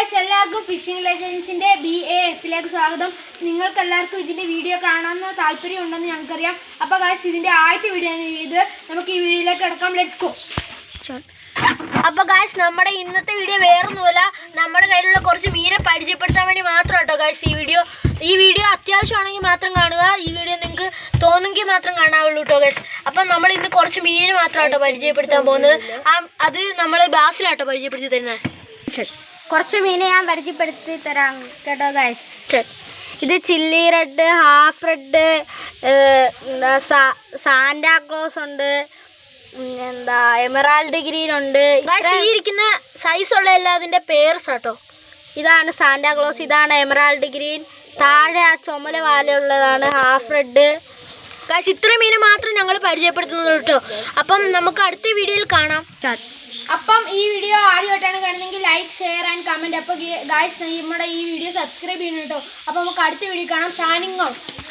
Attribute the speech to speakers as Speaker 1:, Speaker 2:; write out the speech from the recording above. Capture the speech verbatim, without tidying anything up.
Speaker 1: Guys എല്ലാവർക്കും phishing ലെജൻസിന്റെ B A എഫിലേക്ക് സ്വാഗതം. നിങ്ങൾക്ക് എല്ലാവർക്കും ഇതിന്റെ വീഡിയോ കാണാമെന്ന് താല്പര്യം ഉണ്ടെന്ന് ഞങ്ങൾക്കറിയാം. അപ്പോൾ ഗായ്സ് ഇതിന്റെ ആദ്യത്തെ വീഡിയോ ആണ് ഇത്. നമുക്ക് ഈ വീഡിയോയിലേക്ക് കിടക്കാം. Let's go. അപ്പോൾ ഗായ്സ് നമ്മുടെ ഇന്നത്തെ വീഡിയോ വേറൊന്നുമല്ല, നമ്മുടെ കയ്യിലുള്ള കുറച്ച് മീനെ പരിചയപ്പെടുത്താൻ വേണ്ടി മാത്രം കേട്ടോ ഗായ്സ് ഈ വീഡിയോ. ഈ വീഡിയോ അത്യാവശ്യമാണെങ്കിൽ മാത്രം കാണുക. ഈ വീഡിയോ നിങ്ങൾക്ക് തോന്നുമെങ്കിൽ മാത്രം കാണാവുള്ളൂ കേട്ടോ ഗായ്സ്. അപ്പം നമ്മൾ ഇന്ന് കുറച്ച് മീന് മാത്രം കേട്ടോ പരിചയപ്പെടുത്താൻ പോകുന്നത്. അത് നമ്മൾ ബാസിലാട്ടോ പരിചയപ്പെടുത്തി തരുന്നത്.
Speaker 2: കുറച്ച് മീനെ ഞാൻ പരിചയപ്പെടുത്തി തരാം കേട്ടോ ഗൈസ്. ഇത് chilli red, half red, Santa Claus ഉണ്ട്, എന്താ എമറാൾഡ് ഗ്രീൻ ഉണ്ട്.
Speaker 1: ഈ ഇരിക്കുന്ന സൈസുള്ള എല്ലാതിൻ്റെ പേർസ് കേട്ടോ.
Speaker 2: ഇതാണ് സാന്റാക്ലോസ്, ഇതാണ് എമറാൾഡ് ഗ്രീൻ, താഴെ ആ ചുമല വാലുള്ളതാണ് ഹാഫ് റെഡ്.
Speaker 1: ഗൈസ് ഇത്ര മീന് മാത്രം ഞങ്ങൾ പരിചയപ്പെടുത്തുന്നത് കേട്ടോ. അപ്പം നമുക്ക് അടുത്ത വീഡിയോയിൽ കാണാം. അപ്പം ഈ വീഡിയോ ആദ്യമായിട്ടാണ് കാണുന്നതെങ്കിൽ ലൈക്ക്, ഷെയർ ആൻഡ് കമൻറ്റ്. അപ്പോൾ ഗായ്സ് നമ്മുടെ ഈ വീഡിയോ സബ്സ്ക്രൈബ് ചെയ്യണം കേട്ടോ. അപ്പോൾ നമുക്ക് അടുത്ത വീഡിയോ കാണാം. Signing out.